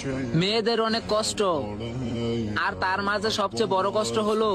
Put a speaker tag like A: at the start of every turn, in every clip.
A: মেয়েদের অনেক কষ্ট, আর তার মাঝে সবচেয়ে বড় কষ্ট হলো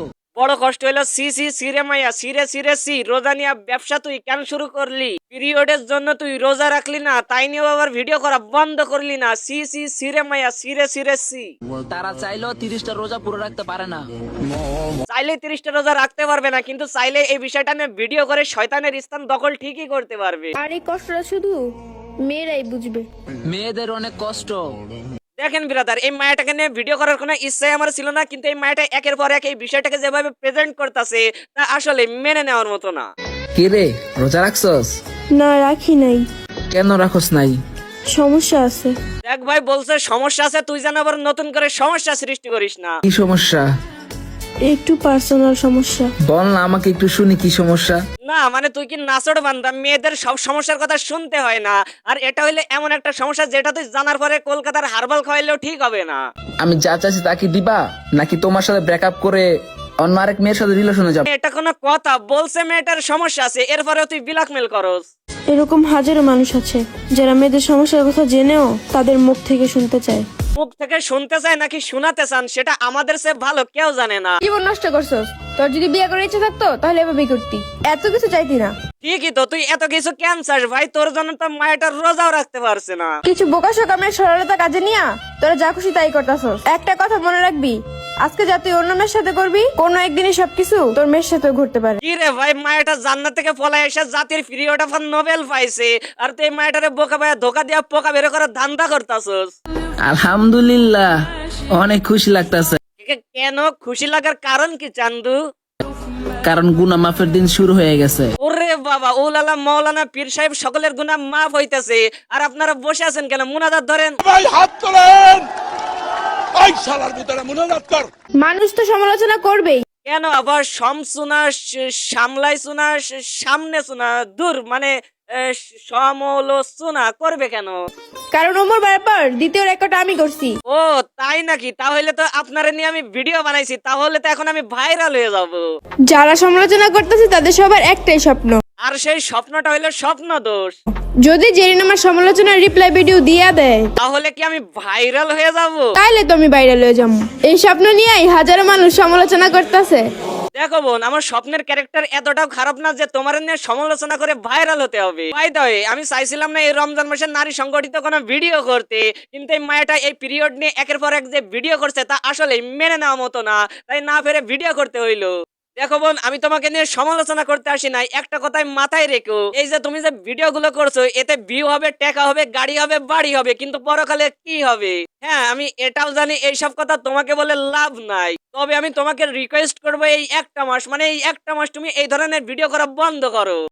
B: সি সি সিরে মাইয়া সিরে সিরে সি রোজা নিয়ে ব্যবসা তুই কেন শুরু করলি? পিরিয়ডের জন্য তুই রোজা রাখলি না, তাই নিয়ে আবার ভিডিও করা বন্ধ করলি না? সি সি সিরে মাইয়া সিরে সিরে সি।
A: তারা চাইলেও 30টা রোজা পুরো রাখতে পারে না।
B: চাইলে 30টা রোজা রাখতে পারবে না, কিন্তু চাইলে এই বিষয়টা নিয়ে ভিডিও করে শয়তানের স্থান দখল ঠিকই করতে পারবে।
C: আর এই কষ্টটা শুধু মেয়েরাই বুঝবে।
A: মেয়েদের অনেক কষ্ট।
B: দেখেন ব্রাদার, এই মায়াটাকে নিয়ে ভিডিও করার কোনো ইচ্ছাই আমার ছিল না, কিন্তু এই মায়াটা একের পর এক এই বিষয়টাকে যেভাবে প্রেজেন্ট করতেছে তা আসলে মেনে নেওয়ার মতো না।
D: কে রে, রোজা রাখছস?
C: না, রাখি নাই।
D: কেন রাখস নাই?
C: সমস্যা আছে।
B: দেখ ভাই, বলছে সমস্যা আছে, তুই যেন আবার নতুন করে সমস্যা সৃষ্টি করিস না।
D: কি সমস্যা?
C: একটু পার্সোনাল সমস্যা।
D: বল না, আমাকে একটু শুনি কি সমস্যা।
B: না মানে তুই কি নাচড় বান্দা? মেয়েদের সব সমস্যার কথা শুনতে হয় না, আর এটা হইলে এমন একটা সমস্যা যেটা তুই জানার পরে কলকাতার হারবাল খাওয়াইলেও ঠিক হবে না।
D: আমি যা চাইছি তা কি দিবা, নাকি তোমার সাথে ব্রেকআপ করে অন্য আরেক মেয়ের সাথে রিলেশনে যাব?
B: এটা কোনো কথা? বলছে মেয়েটার সমস্যা আছে, এরপরেও তুই ব্ল্যাকমেল করস।
C: এরকম হাজারো মানুষ আছে যারা মেয়েদের সমস্যার কথা জেনেও তাদের মুখ থেকে শুনতে চায়।
B: মুখ থেকে শুনতে চায় নাকি শোনাতে চান সেটা আমাদের চেয়ে ভালো কেউ জানে না।
E: জীবন নষ্ট করছস। তোর যদি বিয়ে করার ইচ্ছা থাকতো তাহলে এভাবেই করতি, এত কিছু চাইতি না।
B: ঠিকই তো, তুই এত কিছু কেন চাস ভাই? তোর জন্য তো মায়াটা রোজাও রাখতে পারছে না।
E: কিছু বোকা সকামের সরলতা কাজে নিয়া তোরা যা খুশি তাই করতাছস। একটা কথা মনে রাখবি, আজকে যা তুই অন্য মেয়ের সাথে করবি, কোনো একদিনই সবকিছু তোর মেয়ের সাথেও ঘুরতে পারে।
B: কি রে ভাই, মায়াটা জান্নাত থেকে পলায় এসে জাতির পিরিয়ড অফ নোবেল পাইছে, আর তুই মায়াটারে বোকা ভাইয়া ধোকা দিয়া পোকা বের করার ধান্দা করতাছস।
D: আলহামদুলিল্লাহ, অনেক খুশি লাগতাছে।
B: কেন খুশি লাগার কারণ কি চান্দু?
D: কারণ গুনাহ মাফের দিন শুরু হয়ে গেছে।
B: ওরে বাবা, উলালা মাওলানা পীর সাহেব সকলের গুনাহ মাফ হইতেছে, আর আপনারা বসে আছেন কেন? মুনাজাত ধরেন
F: ভাই, হাত তোলেন। এই শালার ভিতরে মুনাজাত কর।
E: মানুষ তো সমালোচনা করবেই।
B: কেন আবার সমসুনা সামলাই সুনা সামনে সুনা দূর মানে সমালোচনা করবে কেন?
E: কারণ ওমর ব্যাপার দ্বিতীয় রেকর্ড আমি করছি।
B: ও তাই নাকি? তাহলে তো আপনারা নিয়ে আমি ভিডিও বানাইছি, তাহলে তো এখন আমি ভাইরাল হয়ে যাব।
E: যারা সমালোচনা করতেছে তাদের সবার একটাই স্বপ্ন,
B: আর সেই স্বপ্নটা হইলো স্বপ্ন দোষ।
E: যদি জেরিন আমার সমালোচনার রিপ্লাই ভিডিও দিয়া দেয়
B: তাহলে কি আমি ভাইরাল হয়ে যাব?
E: তাইলে তো আমি ভাইরাল হয়ে যাবো। এই স্বপ্ন নিয়েই হাজারো মানুষ সমালোচনা করতেছে।
B: দেখো বোন, আমার স্বপ্নের ক্যারেক্টার এতটাও খারাপ না যে তোমার নিয়ে সমালোচনা করে ভাইরাল হতে হবে। বাই দ্য ওয়ে, আমি চাইছিলাম না এই রমজান মাসে নারী সংগঠিত কোনো ভিডিও করতে, কিন্তু এই মায়াটা এই পিরিয়ড নিয়ে একের পর এক যে ভিডিও করছে তা আসলে মেনে নেওয়া মতো না, তাই না ফেরে ভিডিও করতে হইলো। দেখো বোন, আমি তোমাকে নিয়ে সমালোচনা করতে আসি নাই, একটা কথাই মাথায় রেখো, এই যে তুমি যে ভিডিও গুলো করছো এতে ভিউ হবে, টাকা হবে, গাড়ি হবে, বাড়ি হবে, কিন্তু পরকালে কি হবে? হ্যাঁ, আমি এটাও জানি এইসব কথা তোমাকে বলে লাভ নাই, তবে আমি তোমাকে রিকোয়েস্ট করবো এই একটা মাস, মানে এই একটা মাস তুমি এই ধরনের ভিডিও করা বন্ধ করো।